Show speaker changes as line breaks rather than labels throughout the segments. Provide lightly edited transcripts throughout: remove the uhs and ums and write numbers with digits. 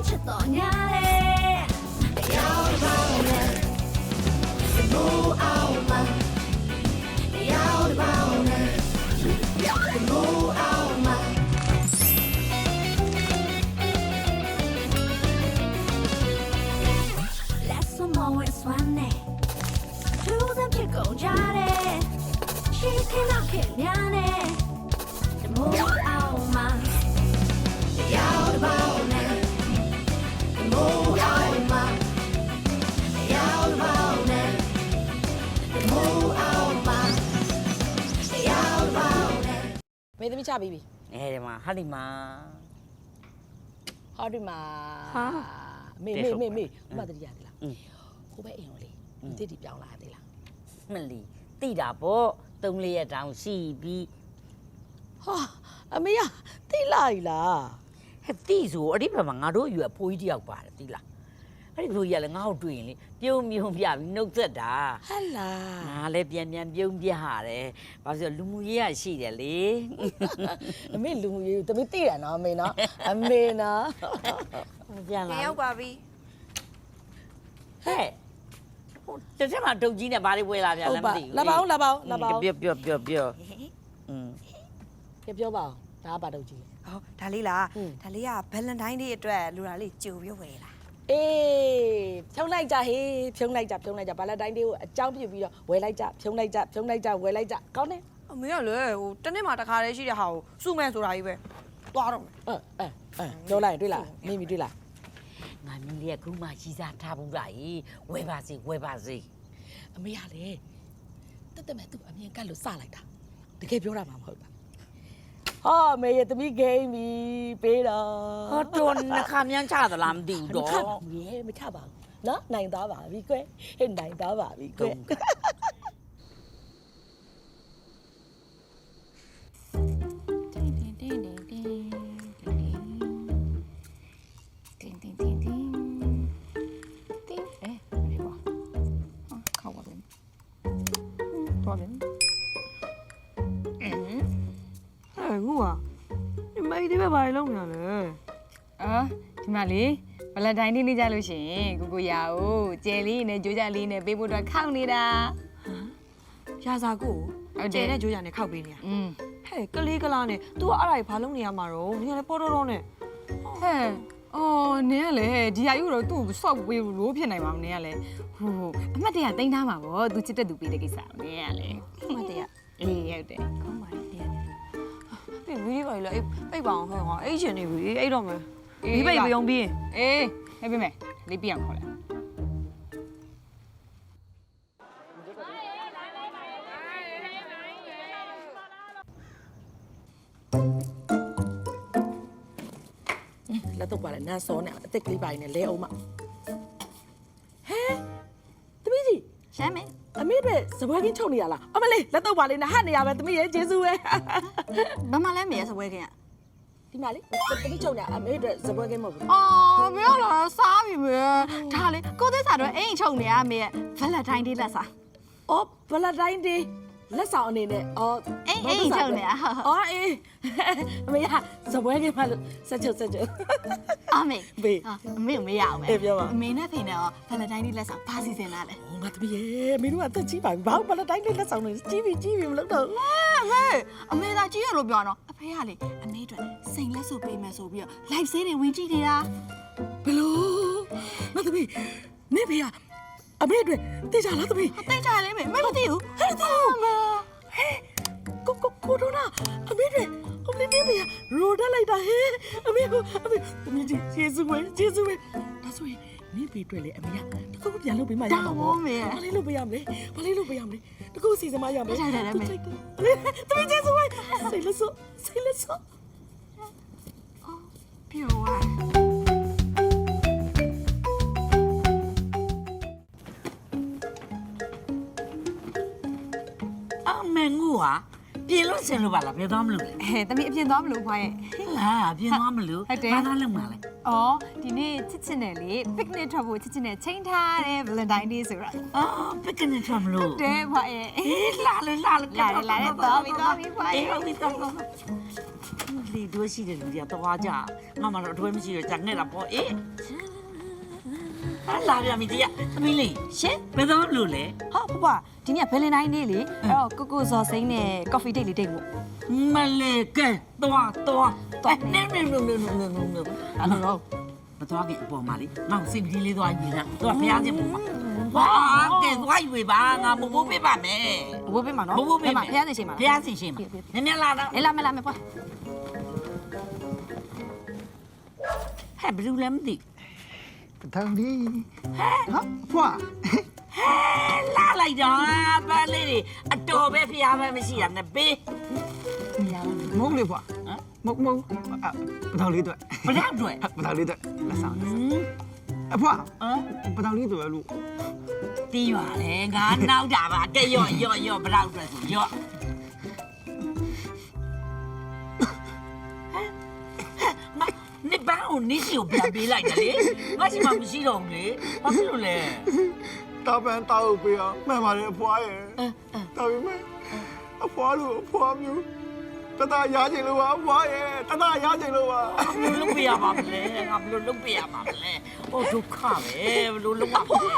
ချက်တော်ညာလေရောက်ပါမယ်မိုးအောင်မရောက်ပါမယ်မိုးအောင်မလက်စမောဝဲစွမ်းနေသူစံဖြစ်ကုန်ကြတယ်ရှိခင်တော့ခင်များနေမိုးအောင်မရောက်ပါမယ်မိုးအောင်မရောက်ပါမယ်မိုးအောင်မရောက်ပါမယ်
မေသမီးချပြီးပြီ
အဲဒီမှာဟာဒီမှာ
ဟောဒီမှာ
ဟာ
မေဥမတတိယသေးလားဟိုဘက်အိမ်ကိုလေဒီတစ်ဒီပြောင်းလာသေးလား
မလီတိတာပေါ့3-4ရက်တောင်ရှိပြီ
ဟာအမေရသိလိုက်လား
ဟဲ့တိဆိုအဲ့ဒီဘက်မှာငါတို့အယူအဖိုးကြီးတယောက်ပါတယ်တိလားအဲ့ဒီလိုကြီးကလည်းငါ့ကိုတွေ့ရင်လေပြုံးမြုံပြပြီးနှုတ်သက်တာ
ဟဲ့လား
ငါလည်းပြန်ပြုံးပြရတယ်ဘာလို့လူမှုရေးရရှိတယ်လေ
အမေလူမှုရေးကိုသမီးသိတယ်နော်အမေနော်အမေနော်
ပြန်လာ
ရောက်ပါပြီ
ဟဲ့ဟိုတစ်ချက်မှဒုတ်ကြီးနဲ့ဘာလေးဝဲလာပြန်လဲမသိဘူး
လာပါဦး
ပြောပြော
ပြောပါဦးဒါကဘာတော့ကြည့်
ဟောဒါလေးလား
ဟုတ်
ဒါလေးကဗလန်တိုင်းဒေးအတွက်လူတာလေးကြိုပြီးဝယ်လာ
အေးဖြုံးလိုက်ကြဟေးဖြုံးလိုက်ကြဘာလဲတိုင်းလေးကိုအကြောင်းပြပြီးတော့ဝယ်လိုက်ကြဖြုံးလိုက်ကြဝယ်လိုက်ကြကောင်းတယ်
အမေကလည်းဟိုတနေ့မှတစ်ခါတည်းရှိတဲ့ဟာကိုစုမဲ့ဆိုတာကြီးပဲသွားတော့မယ်
ပြောလိုက်တွေ့လားမိမိတွေ့လား
ငါမင်းလေးကခုမှရှိစားထားဘူးလားဝဲပါစေ
အမေကလေတက်မဲ့သူအမြင်ကတ်လို့စလိုက်တာတကယ်ပြောတာမှမဟုတ်တာဟာမေရဲ့သမီးဂိမ်းပြီပေးတော့
ဟောတော်နှခါမြန်းချသလားမသိဘူးတော့
မချပါဘူးနော်နိုင်သားပါပြီကွယ်ဟဲ့နိုင်သားပါပြီကွယ်
ငူอ่ะဒီမိသေးပဲဘာလုံးနေရလဲ
အော်ဒီမှာလေဗလန်တိုင်းနေ့နေ့ကြလို့ရှိရင်ကိုရာကိုကျယ်လေးနဲ့ကြိုးကြလေးနဲ့ပေးဖို့တော့ခောက်နေတာ
ရာစာကိုကျဲတဲ့ကြိုးကြနဲ့ခောက်ပေးနေရ ဟဲ့ကလေးကလာနဲ့ तू ကအဲ့ဒါဘာလုံးနေရမှာတော့နင်ကလည်းပေါ်တော့နဲ့
ဟဲ့အော်နင်ကလေဒီဟာယူတော့သူ့ကိုဆော့ပေးလို့ဖြစ်နိုင်မှာမနင်ကလေဟိုအမှတ်တရတင်ထားမှာပေါ့သူချစ်တဲ့သူပေးတဲ့ကိစ္စနင်ကလေ
မတရ
အေးဟုတ်တယ်
ကောင်းပါလေတရားနေပြီဗီဒီယိုပါလေပိတ်ပါအောင်ဟဲ့ဟောအဲ့ရှင်နေပြီအဲ့တော့မယ်ဒီပိတ်ပြုံးပြီး
အေးဟဲ့ပြမယ်လေးပြအောင်ခေါ်လိုက်
လက်တော့ပါလေနန်းစောနဲ့အသက်ကလေးပါနေလဲအောင်မဟဲသမီးကြီး
ရှမ်းမယ်
အမေပဲစပွဲကင်းချုပ်နေရလားအမလေးလက်တော့ပါလေနဲ့ဟတ်နေရပဲသမီးရဲ့ကျေးဇူးပဲ
ဘာမှလည်းမရစပွဲခင်
ဒီမှာလေသမီးချုပ်နေအမေအတွက်စပွဲကင်းမဟုတ်ဘူး
အော်မရတော့စားပြီပဲဒါလေကိုသက်စာတော့အိမ်ချုံနေရမေရဲ့ဗလန်တိုင်းဒေးလက်စာ
အော်ဗလတိုင်းဒေးလက်ဆောင်အနေနဲ့အော်
အိမ်ချုံနေရ
အော်အေးအမေကစပွဲကင်းမလို့ဆက်ချုပ်
အမေ
ဘေး
အမေမရအောင်
အေးပြောပါ
အမေနဲ့ဖေနဲ့ရောဗလန်တိုင်းဒေးလက်စာဘာစီစဉ်လာလဲ
ငါသမီးရဲ့မင်းတို့ကတက်ကြီးပါပြီဘာလို့ဗလတိုင်းဒေးလက်ဆောင်နေကြီးပြီမလုပ်တော့
အမေသာကြီးရလို့ပြောတော့အဖေကလေအမေအတွက်စိန်လက်ဆိုပေးမယ်ဆိုပြီးတော့ live ဆေးတွေဝင်ကြည့်နေတာ
ဘလို့ငါသမီးနေဖေကအမေအတွက်တေးကြလားသမီး
အသိကြလဲမေမသိဘူး
ဟဲ့တူဟဲ့ကိုဒိုနာအမေတွေအမေနေဖေကရိုတက်လိုက်တာဟဲ့အမေသမီးကြီးကျေးဇူးပဲဒါဆိုရင်နေဖေအတွက်လေအမေကတခုပြန်လုပ်ပေးမှရမှာပေါ့ဘာလေးလုပ်ပေးရမလဲတခုစီစဉ်မှရမယ်သမီးကျေးဇူးပဲစိတ်လက်စော
ပြောပါ
အမေငူဟာပြင်လို့ဆင်လို့ပါလားပြင်သွားမလို့လဲ
တမီးအပြင်သွားမလို့ဖွားရဲ့
ဟာပြင်သွားမလို့
ဟုတ်တယ်
ဘာသာလုပ်မှာလဲ
အော်ဒီနေ့ချစ်ချစ်နဲ့လေ picnic ထွက်ဖို့ချစ်ချစ်နဲ့ချိန်ထားတယ် Valentine Day ဆိုတော့
အော်ပကနစ်ထွက်မလို့
တဲဖွားရဲ့
အေးလာလေသွားပြီ
ဖွားရဲ့
ဟုတ်ပြီတော့လေတို့ရှိတယ်လူတွေတော့ကြငါမှတော့အတွဲမရှိတော့ကြာနေတာပေါ့အေးဟာလာပြမီတရားသမီးလေး
ရှင်
ဘယ်တော့လို့လဲ
ဟာဖဖဒီနေ့ Valentine Day လေအဲ့တော့ကိုကိုဇော်စိမ့်နဲ့ coffee date လေးတိတ်မို့
မလေးကဲတော့နေအဲ့လိုတော့မသွားခင်အပေါ်မှာလေငါ့စိတ်ကြီးလေးသွားယူတာတော့ဖျားခြင်းပေါ့ဟာကဲသွားယူပါငါမမိုးပေးပါမယ်
ဘိုးပေးမှာနော်
ဘိုးပေးမယ်
ဖျားနေချိန်မှာ
ဖျားစင်ရှိမှာနည်းနည်းလာတော့
အေးလာမလာမဖွာ
ဟဲ့ဘယ်လိုလဲမသိ
တန်းဒီဟာဖွာ
လာလိုက်တော့ပါလေးတွေအတော်ပဲဖျားပဲမရှိတာနဲ့ပေး
မုံလေးဖွာမုံပထောင်လေးတွေ့
ဘယ်တော့တွေ့
ပထောင်လေးတွေ့လက်ဆောင်အဖွာပထောင်လေးတွေ့လို့
တီးပါလေငါနောက်တာပါကဲရော့ဘယ်တော့တွေ့ဆိုရော့နေဘာလို့နေစီကိုပြန်ပေးလိုက်တယ်လေငါရှိမှမရှိတော့ဘူးလေဘာဖြစ်လို့လဲ
တာပန်တောက်ပေးအောင်မှန်ပါတယ်အဖွာရဲ့ဒါပေမဲ့အဖွာလို့အဖွာမျိုးတတရားချင်လို့ပါအဖွာရဲ့တတရားချင်လို့ပါ
ဘယ်လိုလုပ်ပြရမှာမလဲငါဘယ်လိုလုပ်ပြရမှာမလဲဟိုဒုက္ခပဲဘယ်လိုလုပ်မှာလဲ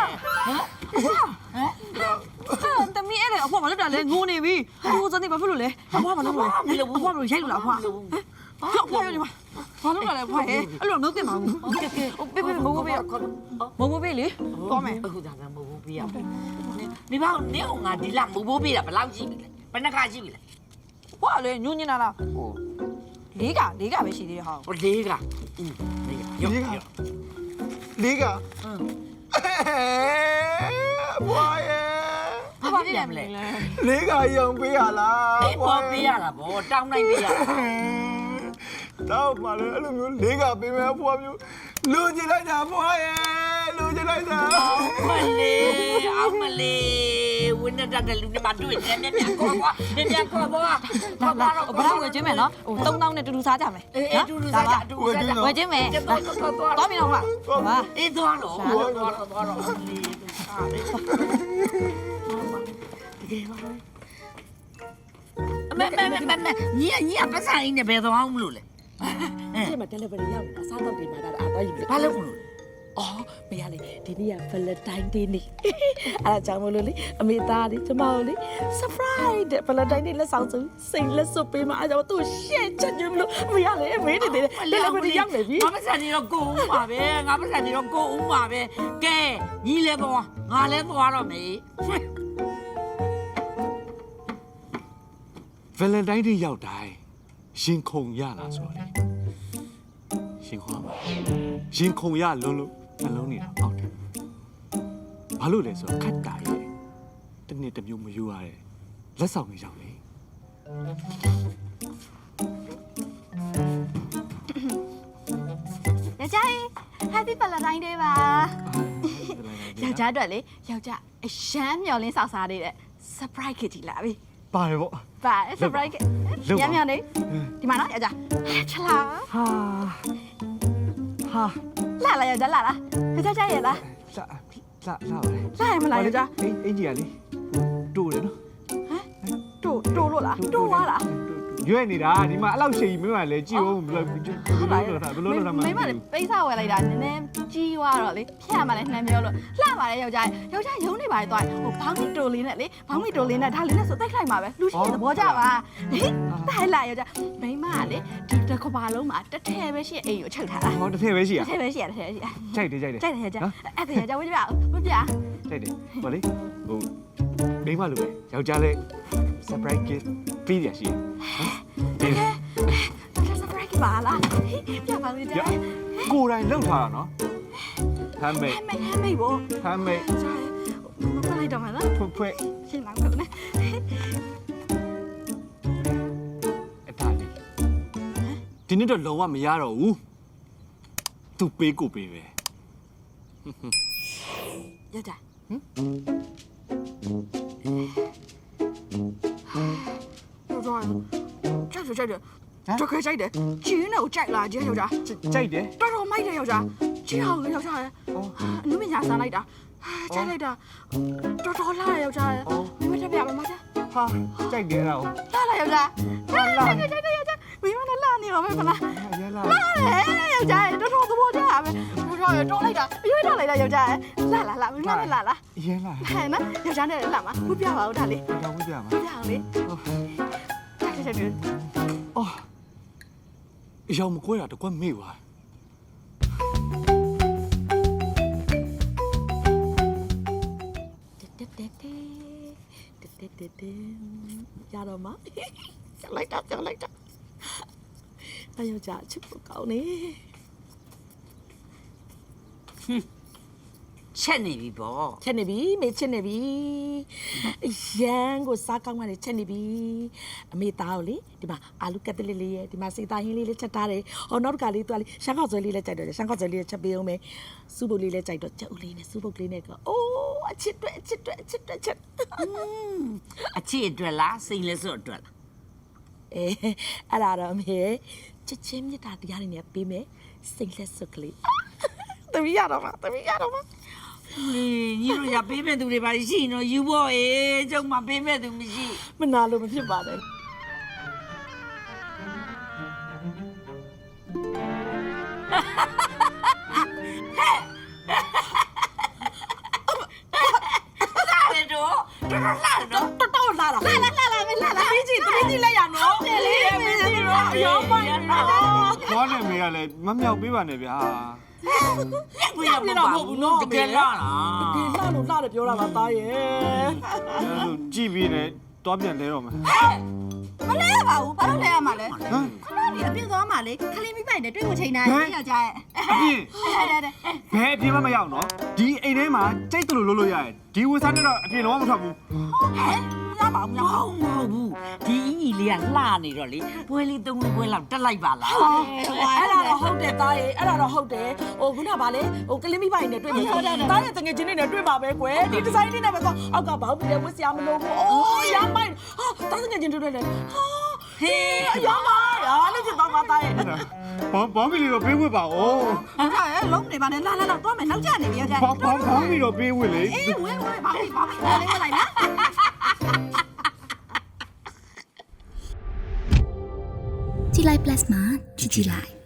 ဟမ်
တမီးအဲ့လေအဖွာမလုပ်တာလဲငိုနေပြီဟိုဇော်နေဘာဖြစ်လို့လဲအဖွာမလုပ်လို့အဖွာမလို့ရိုက်လို့လားအဖွာပြောဖွာရနေမှာဘာလုပ်တာလဲဖွာရဲ့အဲ့လိုမလုပ်သင့်ပါဘူးကဲပေးမိုးပေးလေသွားမယ်
အခုဒါကမဟုတ်ဘူးပြရမယ်နေပါဦးနေအောင်ငါဒီလာမဘိုးပေးတာဘယ်လောက်ရှိပြီလဲဘယ်နှခါရှိပြီလဲ
ဖွာလေညွှန်းနေတာလားဟိုလေးကပဲရှိသေးတယ်ဟာ
ဟိုလေးကရော့
လေးကအဖွာရဲ့
ဘာဖြစ်လဲမလဲ
လေးကရောင်ပေးရလား
အေးပေါ်ပေးရတာဗောတောင်းနိုင်ပေးရတာ
တော့ပါလေအဲ့လိုမျိုးလေးကပေးမယ်အဖွာမျိုးလူကျင်လိုက်တာအဖွာရဲ့လူကျင်လိုက်တာ
မလေးအောင်မလေးဝင်းတဲ့လူတွေမှာတွေ့တယ်မြတ်ခေါ်ပါမြတ်ခေါ်ပါ
ဘာလို့ဝယ်ချင်းမယ်နော်ဟို3000နဲ့တူတူစားကြမယ်
အေးတူတူစားကြတူတူစားကြ
ဝယ်ချင်းမယ်
သွား
ပြီတော့ဟာဟာ
အေးသွားတော့သွားတော့လေးစားတယ်ညီပတ်ဆိုင်နေဘယ်သွားအောင်မလို့လဲ
ဒီမှာ delivery ရောက်နေတာစားတော့ဒီမှာဒါတော့ယူပြီ
ဘာလုပ်မလို့
အော်မရလေဒီနေ့က Valentine Day နေ့အဲ့ဒါကြောင့်မလို့လေအမေသားလေးကျမတို့လေ surprise တဲ့ Valentine Day လက်ဆောင်စုစိတ်လက်စွပ်ပေးမှာအဲ့ကြောင့်သူ့ရှက်ချက်ကြွမလို့မရလေမေးနေတယ် delivery ရောက်နေပြီ
ငါပတ်ဆိုင်နေတော့ကိုဦးပါပဲငါပတ်ဆိုင်နေတော့ကိုဦးပါပဲကဲညီလဲသွားငါလဲသွားတော့မေး
Valentine Day ရောက်တိုင်းရင်ခုန်ရလာဆိုတော့ရှင်ခေါ်ပါရင်ခုန်ရလုံးလုံးနှလုံးနေတာပေါ့တယ်ဘာလို့လဲဆိုတော့ခက်တာရဲ့တနေ့တစ်မျိုးမယူရတဲ့လက်ဆောင်တွေရောက်လေ
ယောက်ျားလေး Happy Valentine Day ပါယောက်ျားအတွက်လေယောက်ျားအရှမ်းမျော်လင်းစောက်စားနေတဲ့ surprise kitty လာပြီ
ပါတယ်ပေါ့
ပါ surprise ညမျော်နေဒီမှာနော်ယောက်ျားချလာ
ဟာ
လာယောက်ျားလာလားယောက်ျားရဲ့လား
လာပါလေ
လာရမလားယောက်ျား
အင်ကြီးကလေတိုးတယ်နော်
တိုးလို့လားတိုးသွားလား
ရွက်နေတာဒီမှာအဲ့လောက်ရှိရင်မင်းကလည်းကြည့်ဦးဘယ်လိုလုပ်တာမှ
မိမလည်းပိတ်စာဝယ်လိုက်တာနည်းနည်းကြီးသွားတော့လေဖြတ်မှလည်းနှမ်းပြောလို့လှပါတယ်ယောက်ျားရုံးနေပါလေသွားဟိုဘောင်းမီတိုလေးနဲ့လေဘောင်းမီတိုလေးနဲ့ဒါလေးနဲ့ဆိုတိုက်လိုက်မှာပဲလူရှိတဲ့သဘောကြပါဟေးတိုက်လိုက်ယောက်ျားမိမကလေဒီတစ်ခါပါလုံးမှာတစ်ထည်ပဲရှိအိမ်ကိုချုပ်ထားတာ
ဟောတစ်ထည့်ပဲရှိရ
တစ်ထည်ပဲရှိရတစ်ထည်ပဲရှိရ
ကြိုက်တယ်
ကြိုက်တယ်ယောက်ျားအဲ့ဒါယောက်ျားဝတ်ပြဝတ်ပြ
ကြိုက်တယ်ဟောလေဟိုမိမလိုပဲယောက်ျားလေး surprise gift ပေးရရှိရ
surprise ပါလားပြပါဦးယောက်ျား
ကိုယ်တိုင်လှုပ်ထားတာနော်ဟမ်းမိတ်
ဟမ်းမိတ်ဘော
ဟမ်းမိတ်
မလိုက်တော့မလား
ဖွယ်
ရှင်းလာတော့နဲ့
အတားလေးဒီနေ့တော့လုံးဝမရတော့ဘူးသူပေးကိုပေးပဲ
ယောက်ျားကြိုက်တယ်တကယ်ကြိုက်တယ်ကျင်းနဲ့ကိုကြိုက်လားကျင်းယောက်ျား
ကြိုက်တယ်
တော်တော်မိုက်တယ်ယောက်ျားကျင်းအောင်ယောက်ျားရဲ့အနုမညာစားလိုက်တာကြိုက်လိုက်တာတော်တော်လာယောက်ျားရဲ့မိမထပ်ပြပါမလား
ဟာကြိုက်တယ်အဲ့ဒါကို
လာယောက်ျားလာယောက်ျားမိမနဲ့လာနေပါမယ်မလား
ရဲလာ
လာယောက်ျားရဲ့တော်တော်သဘောကျပါပဲတော်တော်တော်လိုက်တာအရွေးတော်လိုက်တာယောက်ျားရဲ့လာမိမနဲ့လာ
ရဲလာ
ဟဲ့နော်ယောက်ျားနဲ့လာမှာဝပြပါဦးဒါလေး
တော့ဝိပြမှာ
ဝပြအောင်လေချက်
အော်အယောင်မကွဲတာတကွက်မေ့ပါ
ရတော့မှာကြောက်လိုက်တာအယောက်ျားချစ်ဖို့ကောင်းနေ
ချက်နေပြီပေါ့
ချက်နေပြီမေချစ်နေပြီရန်ကိုစားကောင်းမှလည်းချက်နေပြီအမေသားကိုလေဒီမှာအာလူကက်တလစ်လေးရဲ့ဒီမှာစေတာဟင်းလေးလေးချက်ထားတယ်ဟောနောက်တစ်ခါလေးသူကလေရှမ်းခေါက်ဆွဲလေးလည်းကြိုက်တော့တယ်ရှမ်းခေါက်ဆွဲလေးချက်ပေးအောင်မယ်စူးပုတ်လေးလည်းကြိုက်တော့ချက်ဦးလေးနဲ့စူးပုတ်လေးနဲ့ကအိုးအချစ်တွေ့ချက်
အချစ်အတွက်လားစိတ်လဲစွတ်အတွက်လား
အဲ့ဒါတော့အမေချစ်ချင်းမြတ်တာတရားတွေနဲ့ပေးမယ်စိတ်လက်စွတ်ကလေးတမီးရတော့မှာ
ညီတို့ရပေးမဲ့သူတွေပါရှိနော်ယူဖို့အေးကျုံမပေးမဲ့သူမရှိ
မနာလို့မဖြစ်ပါနဲ့တော်လာတာမင်းကြီးလက်ရနော်တယ်လေမင်းကြီးတော့ရောပိုင်နော်
သွားနေမေကလည်းမမြောက်ပေးပါနဲ့ဗျာ
ကိုရမဟုတ်ဘူးနော်တကယ်လား
ဒီလှလို့လှတယ်ပြောတာပါသားရဲ့
အဲ့လိုကြည့်ပြီးနေသွားပြန်လဲတော့မယ်
မလဲပါဘူးဘာလို့လဲရမှာလဲ
ဟမ်
ခဏလေးအပြစ်သွားမှာလေခလေးမိပိုင်နဲ့တွေ့ကိုချိန်တာယောက်ျားရဲ့
အပြင်ဘယ်အပြင်မှမရောက်နော်ဒီအိမ်ထဲမှာကြိတ်တယ်လို့လုပ်လို့ရတယ်ဒီဝစားနဲ့တော့အပြင်တော့မထွက်ဘူး
ရပါဦးမဟုတ်ဘူးဒီညီလေးကလှနေတော့လေပွဲလေးသုံးလေးပွဲလောက်တက်လိုက်ပါလား
အဲ့ဒါတော့ဟုတ်တယ်သားရဲ့အဲ့ဒါတော့ဟုတ်တယ်ဟိုခုနကဗာလေဟိုကလင်းမိပိုင်နဲ့တွေ့မှာသားရဲ့တငယ်ချင်းတွေနဲ့တွေ့မှာပဲကွယ်ဒီဒီဇိုင်းလေးနဲ့ပဲတော့အောက်ကဘောင်းပြီးလဲဝစ်စရာမလိုဘူးအိုးရမ်းပိုင်ဟာသားတငယ်ချင်းတွေ့တယ်ဟာ
ဟေး
အရောပါလို့ဖြစ်သွားပါသားရဲ့
ဘောင်းမီလေးတော့ပေးဝစ်ပါဦး
ယောက်ျားရဲ့လုံးနေပါနဲ့လာသွားမယ်နောက်ကျနေပြီယောက်ျား
ဘောင်းမီတော့ပေးဝစ်လေ
အေးဝဲဘာလေးလေးလိုက်လား
ကြည်လိုက် plus မှာကြည်လိုက်